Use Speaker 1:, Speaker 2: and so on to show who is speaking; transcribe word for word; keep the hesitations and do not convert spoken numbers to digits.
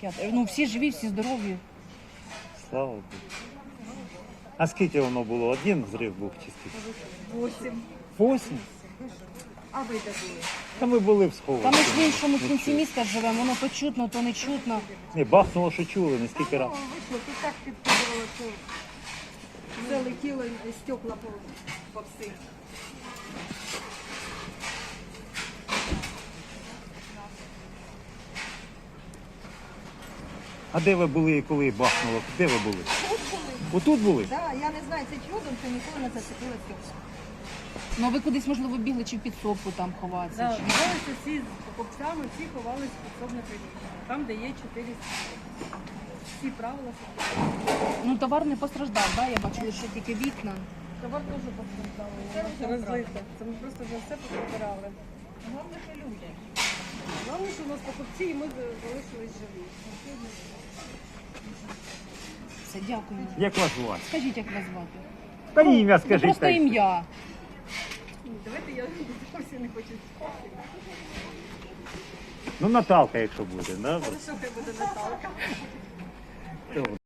Speaker 1: життя. Ну, всі живі, всі здорові.
Speaker 2: Слава Богу. А скільки воно було? Один зрив був чи скільки?
Speaker 3: Восім.
Speaker 2: Восім?
Speaker 3: А ви де були?
Speaker 2: Та ми були в схові.
Speaker 1: Та ми ж в іншому кінці міста живемо, воно то чутно, то не чутно.
Speaker 2: Ні, бахнуло, що чули, не скільки
Speaker 3: Ну,
Speaker 2: разів.
Speaker 3: вийшло, тут так підкидувало, що все летіло, і стекла по, по всіх.
Speaker 2: А де ви були, коли бахнуло? Де ви були?
Speaker 3: Тут були.
Speaker 2: Отут були?
Speaker 3: Да, я не знаю, це чудом, що ніколи не зацепило стекла.
Speaker 1: Ну, а ви кудись, можливо, бігли чи в підсобку там ховатися?
Speaker 4: Да,
Speaker 1: чи-
Speaker 4: ховалися всі з покупцями, всі ховалися в підсобне приміщення. Там, де є чотири стіни. Всі правила соблюдали.
Speaker 1: Ну, товар не постраждав, да? Я бачила, що тільки вікна.
Speaker 4: Товар теж постраждав. Це розлито. Це ми просто вже все поприбирали.
Speaker 3: Головне, що люди.
Speaker 4: Головне, що у нас покупці і ми залишились живі.
Speaker 1: Все, дякую.
Speaker 2: Як вас звати?
Speaker 1: Скажіть, як вас звати?
Speaker 2: Та ім'я
Speaker 1: Ну,
Speaker 2: скажіть.
Speaker 1: просто
Speaker 2: та й-
Speaker 1: ім'я.
Speaker 4: Ні, давайте я зовсім не хочу спати.
Speaker 2: Ну, Наталка, якщо буде. Да?
Speaker 4: Що хай буде Наталка.
Speaker 2: Добре.